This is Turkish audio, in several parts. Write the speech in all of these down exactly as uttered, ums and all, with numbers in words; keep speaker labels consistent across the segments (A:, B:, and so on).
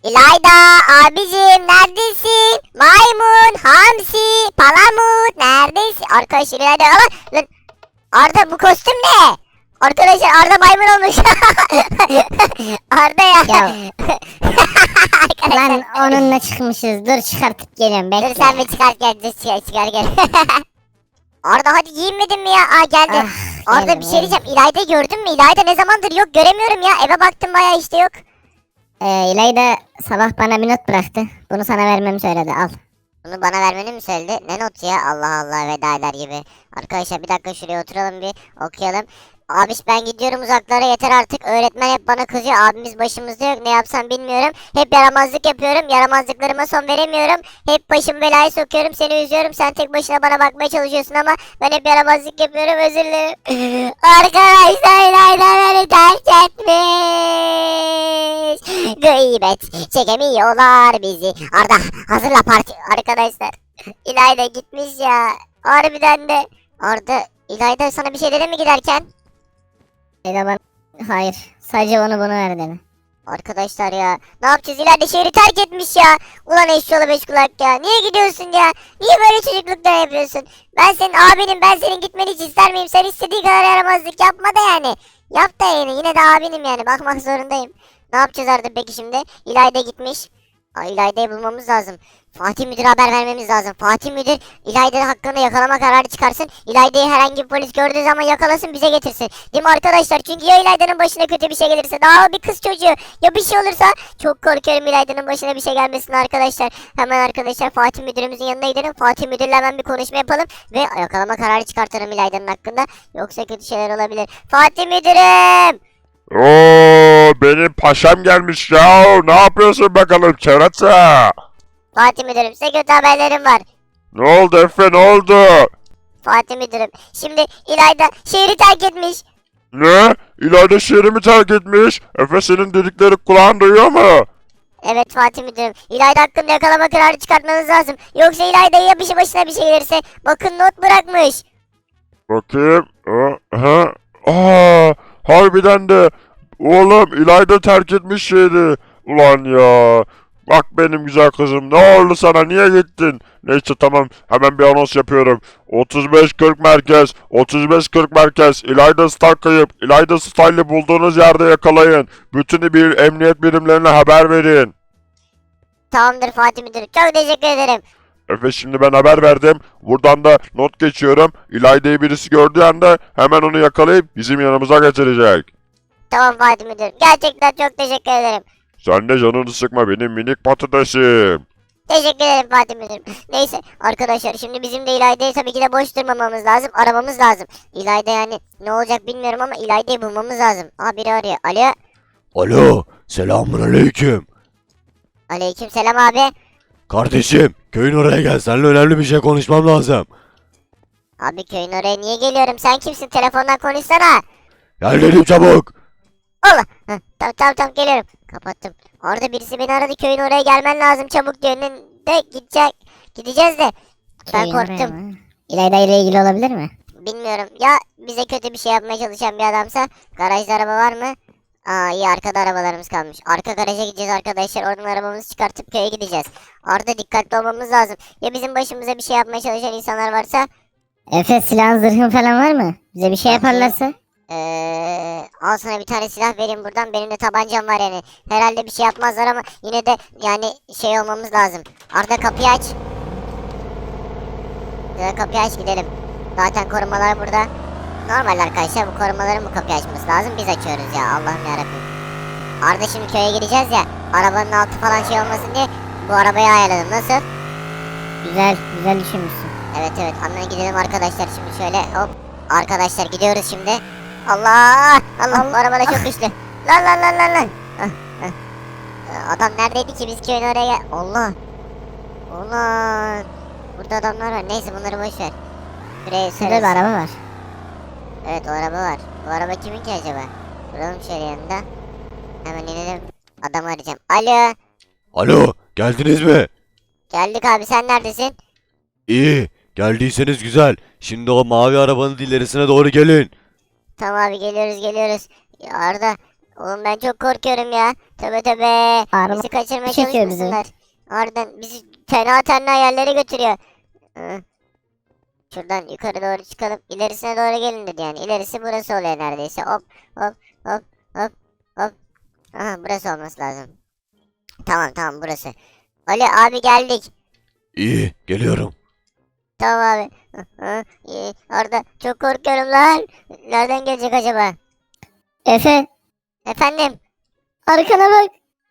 A: İlayda abicim neredesin? Maymun, hamsi, palamut neredesin? Arkadaşlar İlayda ama lan Arda bu kostüm ne? Arkadaşlar Arda maymun olmuş. Arda ya.
B: Ya. Lan onunla çıkmışız. Dur çıkartıp geliyorum. Bekle.
A: Dur sen bir çıkart gel, dur çıkar, çıkar gel. Arda hadi giyinmedin mi ya? Aa geldi.
B: Ah,
A: Arda
B: geldim,
A: bir şey diyeceğim.
B: geldim.
A: İlayda gördün mü? İlayda ne zamandır yok, göremiyorum ya. Eve baktım bayağı işte yok.
B: Ee, İlayda sabah bana bir not bıraktı. Bunu sana vermemi söyledi. Al.
A: Bunu bana vermeni mi söyledi? Ne notu ya? Allah Allah, veda eder gibi. Arkadaşlar bir dakika şuraya oturalım bir okuyalım. Abiş ben gidiyorum uzaklara, yeter artık. Öğretmen hep bana kızıyor. Abimiz başımızda yok. Ne yapsam bilmiyorum. Hep yaramazlık yapıyorum. Yaramazlıklarıma son veremiyorum. Hep başımı belaya sokuyorum. Seni üzüyorum. Sen tek başına bana bakmaya çalışıyorsun ama ben hep yaramazlık yapıyorum. Özür dilerim. Arkadaşlar İlayda beni terk etmiş. Gıybet çekemiyorlar bizi. Arda hazırla parti. Arkadaşlar İlayda gitmiş ya. Harbiden de. Arda İlayda sana bir şey dedi mi giderken?
B: İlayda bana... Hayır. Sadece onu bunu ver dedi.
A: Arkadaşlar ya ne yapacağız, İlayda şehri terk etmiş ya. Ulan eşşoğlu beş kulak ya. Niye gidiyorsun ya? Niye böyle çocukluklar yapıyorsun? Ben senin abinim, ben senin gitmeni hiç ister miyim? Sen istediği kadar yaramazlık yapma da yani. Yap da yani, yine de abinim yani, bakmak zorundayım. Ne yapacağız Arda peki şimdi? İlayda gitmiş. Aa, İlayda'yı bulmamız lazım. Fatih Müdür'e haber vermemiz lazım. Fatih Müdür İlayda hakkında yakalama kararı çıkarsın. İlayda'yı herhangi bir polis gördüğü zaman yakalasın, bize getirsin. Değil mi arkadaşlar? Çünkü ya İlayda'nın başına kötü bir şey gelirse, daha bir kız çocuğu, ya bir şey olursa çok korkuyorum İlayda'nın başına bir şey gelmesin arkadaşlar. Hemen arkadaşlar Fatih Müdürümüzün yanına gidelim. Fatih Müdür'le hemen bir konuşma yapalım ve yakalama kararı çıkartalım İlayda'nın hakkında. Yoksa kötü şeyler olabilir. Fatih Müdürüm!
C: Oo, benim paşam gelmiş ya. Ne yapıyorsun bakalım kerata?
A: Fatih Müdürüm, size kötü haberlerim var.
C: Ne oldu Efe, ne oldu?
A: Fatih Müdürüm, şimdi İlayda şehri terk etmiş.
C: Ne? İlayda şehrimi terk etmiş. Efe senin dedikleri kulağın duyuyor mu?
A: Evet Fatih Müdürüm, İlayda hakkında yakalama kararı çıkartmanız lazım. Yoksa İlayda'ya ya bir şey, başına bir şey gelirse. Bakın not bırakmış.
C: Bakayım. Ha, ha. Aa, harbiden de. Oğlum İlayda terk etmiş şehri. Ulan ya. Bak benim güzel kızım, ne oldu sana, niye gittin? Neyse tamam, hemen bir anons yapıyorum. otuz beş kırk merkez, otuz beş kırk merkez, İlayda Star kayıp. İlayda Star'ı bulduğunuz yerde yakalayın. Bütün bir emniyet birimlerine haber verin.
A: Tamamdır Fatih Müdürüm, çok teşekkür ederim.
C: Efe şimdi ben haber verdim. Buradan da not geçiyorum. İlayda'yı birisi gördüğü anda hemen onu yakalayıp bizim yanımıza getirecek.
A: Tamam Fatih Müdürüm, gerçekten çok teşekkür ederim.
C: Sen de canını sıkma benim minik patatesim.
A: Teşekkür ederim Fatih Müdürüm. Neyse arkadaşlar, şimdi bizim de İlayda'yı tabii ki de boş durmamamız lazım. Aramamız lazım. İlayda yani ne olacak bilmiyorum ama İlayda'yı bulmamız lazım. Aa, biri arıyor. Alo.
D: Alo, selamun aleyküm.
A: Aleyküm selam abi.
D: Kardeşim, köyün oraya gel. Seninle önemli bir şey konuşmam lazım.
A: Abi köyün oraya niye geliyorum? Sen kimsin? Telefondan konuşsana.
D: Gel dedim çabuk.
A: Allah. Heh, tamam tamam tamam geliyorum. Kapattım. Orada birisi beni aradı. Köyün oraya gelmen lazım çabuk diyor. De gidecek. Gideceğiz de. Ben
B: Köyün oraya
A: korktum.
B: mı? İlayda ile ilgili olabilir mi?
A: Bilmiyorum. Ya bize kötü bir şey yapmaya çalışan bir adamsa. Garajda araba var mı? Aa, iyi, arkada arabalarımız kalmış. Arka garaja gideceğiz arkadaşlar. Oradan arabamızı çıkartıp köye gideceğiz. Orada dikkatli olmamız lazım. Ya bizim başımıza bir şey yapmaya çalışan insanlar varsa.
B: Efe silahın zırhın falan var mı? Bize bir şey
A: Bakayım.
B: yaparlarsa?
A: Ee, al sana bir tane silah vereyim buradan. Benim de tabancam var yani. Herhalde bir şey yapmazlar ama yine de yani şey olmamız lazım. Arda kapıyı aç. Ya kapıyı aç gidelim. Zaten korumalar burada. Normal arkadaşlar, bu korumaların bu kapıyı açması lazım. Biz açıyoruz ya, Allah'ım yarabbim. Arda şimdi köye gideceğiz ya. Arabanın altı falan şey olmasın diye bu arabayı ayarladım. Nasıl?
B: Güzel, güzel düşünmüşsün.
A: Evet evet, hemen gidelim arkadaşlar şimdi şöyle hop. Arkadaşlar gidiyoruz şimdi. Allah! Allah, bu araba da çok güçlü. Lan lan lan lan lan. Hah, hah. Ee, Adam neredeydi ki, biz köyün oraya gel. Allah! Ulan! Burada adamlar var. Neyse bunları boş ver. Buraya
B: Şurada bir
A: süreriz.
B: araba var.
A: Evet, o araba var. Bu araba kimin ki acaba? Duralım şöyle yanında. Hemen inelim. Adamı arayacağım. Alo!
D: Alo, geldiniz mi?
A: Geldik abi, sen neredesin?
D: İyi, geldiyseniz güzel. Şimdi o mavi arabanın ilerisine doğru gelin.
A: Tamam abi, geliyoruz geliyoruz. Ya Arda, Oğlum ben çok korkuyorum ya. Tövbe tövbe.
B: Araba
A: Bizi kaçırmaya
B: çekiyor bizi.
A: çalışmasınlar. Harbiden bizi fena tenha yerlere götürüyor. Hı. Şuradan yukarı doğru çıkalım. İlerisine doğru gelin dedi yani. İlerisi burası oluyor neredeyse. Hop hop hop hop hop. Aha burası olması lazım. Tamam tamam burası. Ali abi geldik.
D: İyi geliyorum.
A: Tamam abi. Hı, hı, iyi. Orada çok korkuyorum lan. Nereden gelecek acaba?
B: Efe
A: Efendim?
B: arkana bak.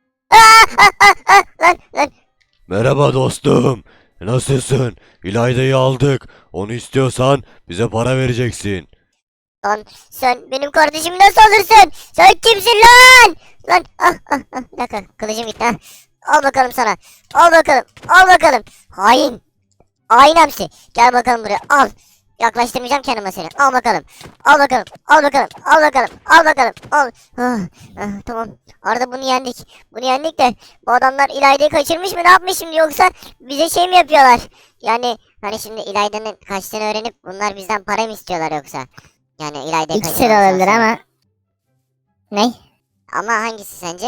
A: Lan lan.
D: Merhaba dostum. Nasılsın? İlayda'yı aldık. Onu istiyorsan bize para vereceksin.
A: Lan sen benim kardeşim nasıl alırsın? Sen kimsin lan? Lan ah ah ah. Bir dakika kılıcım gitti ha. Al bakalım sana. Al bakalım. Al bakalım. Hain. Hain hamsi. Gel bakalım buraya. Al. Yaklaştırmayacağım kendime seni. Al bakalım. Al bakalım. Al bakalım. Al bakalım. Al bakalım. Al. Ah, ah, tamam. Arada bunu yendik. Bunu yendik de bu adamlar İlayda'yı kaçırmış mı? Ne yapmış şimdi yoksa bize şey mi yapıyorlar? Yani hani şimdi İlayda'nın kaçtığını öğrenip bunlar bizden para mı istiyorlar yoksa? Yani İlayda'yı
B: İkisi de
A: kaçırmamız
B: olabilir
A: lazım.
B: ama. Ne?
A: Ama hangisi sence?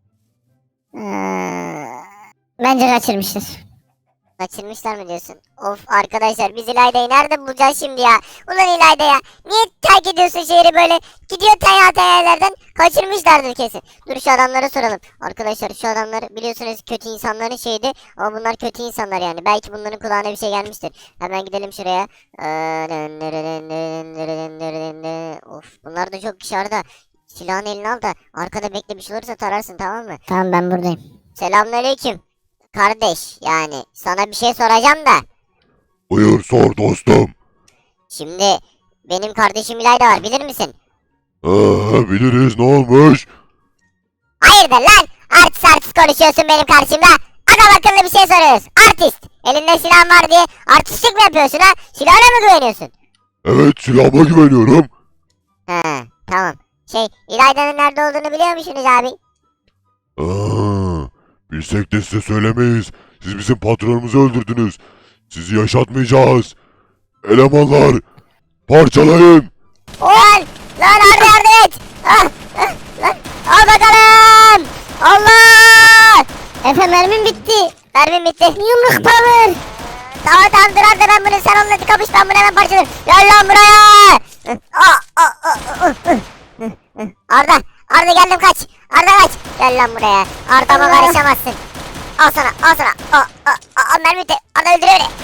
B: Ee, bence kaçırmıştır.
A: Kaçırmışlar mı diyorsun? Of arkadaşlar biz İlayda'yı nerede bulacağız şimdi ya? Ulan İlayda ya. Niye terk ediyorsun şehri böyle? Gidiyor taya taya yerlerden. Kaçırmışlardır kesin. Dur şu adamlara soralım. Arkadaşlar şu adamlar biliyorsunuz kötü insanların şeydi. Ama bunlar kötü insanlar yani. Belki bunların kulağına bir şey gelmiştir. Hemen gidelim şuraya. Of bunlar da çok dışarıda. Silahını eline al da arkada bekle bir şey olursa tararsın tamam mı?
B: Tamam ben buradayım.
A: Selamünaleyküm. Kardeş yani sana bir şey soracağım da.
C: Buyur sor dostum.
A: Şimdi benim kardeşim İlayda var bilir misin?
C: Ee, biliriz ne olmuş?
A: Hayırdır lan? Artist artist konuşuyorsun benim karşımda. Adam akıllı bir şey soruyoruz. Artist. Elinde silah var diye artistlik mi yapıyorsun ha? Silahına mı güveniyorsun?
C: Evet silahıma güveniyorum.
A: He tamam. Şey İlayda'nın nerede olduğunu biliyor musunuz abi?
C: Aa, bilsek de size söylemeyiz. Siz bizim patronumuzu öldürdünüz. Sizi yaşatmayacağız. Elemanlar parçalayın.
A: Lan! Lan Arda yardım et! Ah, ah, lan. Al bakalım! Allah!
B: Efe mermim bitti.
A: Mermim bitti.
B: Yumruk power.
A: Tamam tamam dur Arda ben bunu sen onunla kapış ben bunu hemen parçalarım. Gel lan buraya. Aa, aa, aa, aa. Arda Arda geldim kaç. Arda kaç. Gel lan buraya. Arda'ma
B: Allah.
A: karışamazsın. Al sana al sana. Aa, aa, aa, mermi bitti. Arda öldürüyor beni.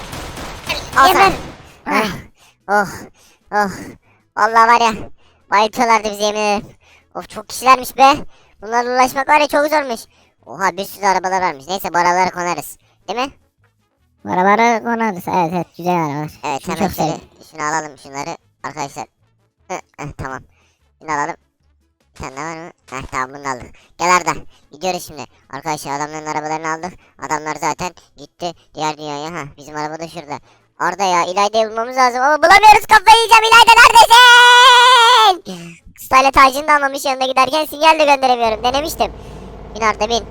A: Al sana.
B: Geber.
A: Ah, oh oh. Vallahi var ya. Bayıltıyorlardı bizi yemin ederim. Of çok kişilermiş be. Bunlarla ulaşmak var ya çok zormuş. Oha bir sürü arabalar varmış. Neyse bu arabalara konarız. Değil mi?
B: Arabalara konarız. Evet evet güzel arabalar.
A: Evet
B: Şunu
A: hemen
B: çok
A: şöyle
B: sevdim.
A: şunu alalım şunları arkadaşlar. Hı, hı, tamam. Şunu alalım. Bir tane daha var mı? Heh tamam bunu da aldık. Gel Arda. Gidiyoruz şimdi. Arkadaşlar adamların arabalarını aldık. Adamlar zaten gitti diğer dünyaya. Ha bizim araba da şurada. Arda ya İlayda'yı bulmamız lazım ama bulamıyoruz kafayı yiyeceğim. İlayda neredesin? Style tacını da almamış yanına giderken sinyal de gönderemiyorum. Denemiştim. Bin Arda bin.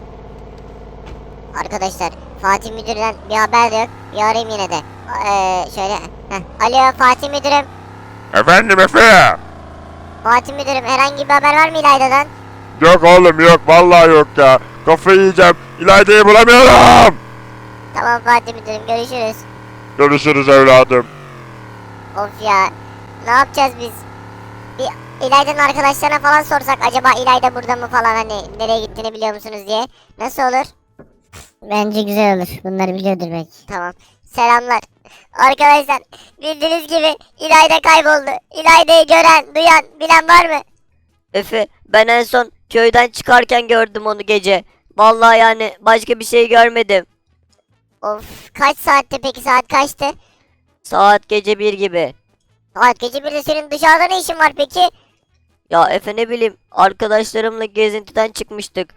A: Arkadaşlar Fatih Müdür'den bir haber de yok. Bir arayayım yine de. Ee, şöyle. Heh. Alo Fatih Müdürüm.
C: Efendim Efe.
A: Fatih Müdürüm herhangi bir haber var mı İlayda'dan?
C: Yok oğlum yok vallahi yok ya. Kafayı yiyeceğim. İlayda'yı bulamıyorum.
A: Tamam Fatih Müdürüm görüşürüz.
C: Görüşürüz evladım.
A: Of ya. Ne yapacağız biz? Bir İlayda'nın arkadaşlarına falan sorsak acaba İlayda burada mı falan hani nereye gittiğini biliyor musunuz diye. Nasıl olur?
B: Bence güzel olur. Bunları biliyordur belki.
A: Tamam. Selamlar. Arkadaşlar bildiğiniz gibi İlayda kayboldu. İlayda'yı gören, duyan, bilen var mı?
E: Efe, ben en son köyden çıkarken gördüm onu gece. Vallahi yani başka bir şey görmedim.
A: Of kaç saatte peki saat kaçtı?
E: Saat gece bir gibi.
A: Saat gece birde senin dışarıda ne işin var peki?
E: Ya Efe ne bileyim arkadaşlarımla gezintiden çıkmıştık.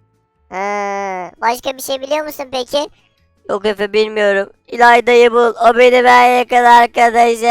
A: Ha, başka bir şey biliyor musun peki?
E: Yok Efe bilmiyorum. İlayda'yı bul. O beni ben yakın arkadaşım.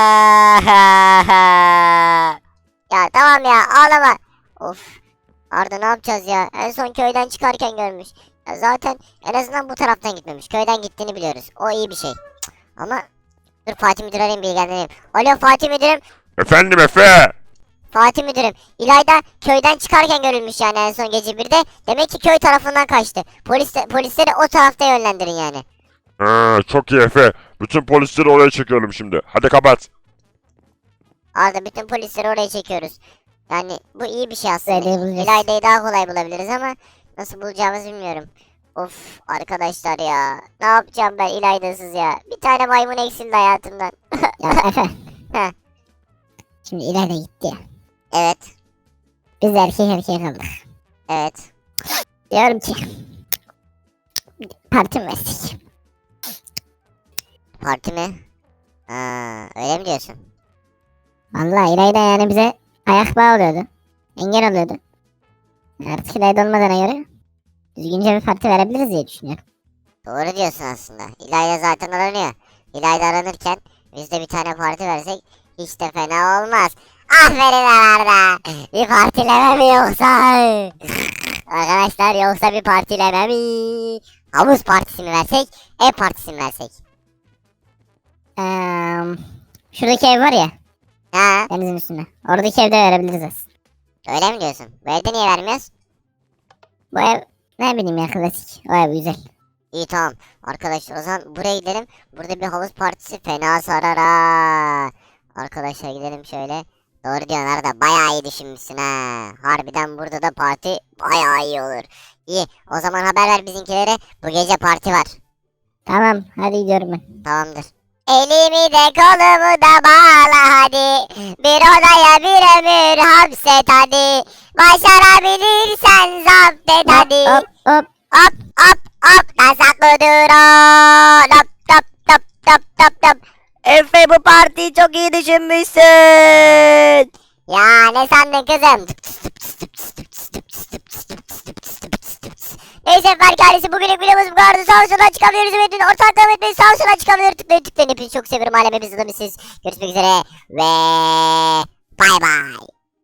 A: Ya tamam ya ağlama. Of. Arda ne yapacağız ya? En son köyden çıkarken görmüş. Ya zaten en azından bu taraftan gitmemiş. Köyden gittiğini biliyoruz. O iyi bir şey. Cık, ama dur Fatih Müdür arayayım bilgilendireyim. Alo Fatih Müdürüm.
C: Efendim Efe.
A: Fatih müdürüm, İlayda köyden çıkarken görülmüş yani en son gece birde. Demek ki köy tarafından kaçtı. Polis de, polisleri o tarafta yönlendirin yani.
C: Ha, çok iyi Efe. Bütün polisleri oraya çekiyorum şimdi. Hadi kapat.
A: Arda bütün polisleri oraya çekiyoruz. Yani bu iyi bir şey aslında.
B: İlayda'yı bulacağız.
A: İlayda'yı daha kolay bulabiliriz ama nasıl bulacağımızı bilmiyorum. Of arkadaşlar ya. Ne yapacağım ben İlayda'sız ya. Bir tane maymun eksildi hayatımdan.
B: Ya Efe.
A: Heh.
B: Şimdi İlayda gitti ya.
A: Evet.
B: Biz de erkek erkeğe kaldık.
A: Evet.
B: Diyorum ki. Parti mi versek?
A: Parti mi? Aa, öyle mi diyorsun?
B: Vallahi İlayda yani bize ayak bağı oluyordu. Engel oluyordu. Artık İlayda olmadığına göre düzgünce bir parti verebiliriz diye düşünüyorum.
A: Doğru diyorsun aslında. İlayda zaten aranıyor. İlayda aranırken biz de bir tane parti versek hiç de fena olmaz. Aferin Arda. Bir partileme mi yoksa? Arkadaşlar yoksa bir partileme mi? Havuz partisi mi versek? Ev partisi mi versek?
B: Eee şuradaki ev var ya
A: Ha,
B: denizin üstünde. Oradaki evde verebiliriz aslında.
A: öyle mi diyorsun? Bu evde niye vermiyoruz?
B: Bu ev ne bileyim ya klasik. O ev güzel.
A: İyi tamam. Arkadaşlar o zaman buraya gidelim. Burada bir havuz partisi fena sarar ha. Arkadaşlar gidelim şöyle. Doğru diyorsun Arda. Bayağı iyi düşünmüşsün ha. Harbiden burada da parti bayağı iyi olur. İyi. O zaman haber ver bizimkilere. Bu gece parti var.
B: Tamam hadi gidiyorum ben.
A: Tamamdır. Elimi de kolumu da bağla hadi. Bir odaya bir ömür hapset hadi. Başarabilirsen zapt et hadi.
B: Hop hop.
A: Hop hop hop yasaklı drone. Hop hop hop hop hop hop.
E: Efe bu partiyi çok iyi düşünmüşsün.
A: Ya ne sandın kızım? Neyse Berk ailesi bugünlük videomuz bu kadardı. Sağ olsun çıkamıyoruz. Ümit'in ortak devam etmeyi sağ olsun çıkamıyor. Tıklayın tıklayın. Hepinizi çok seviyorum. Alemimiz siz. Görüşmek üzere ve bay bay.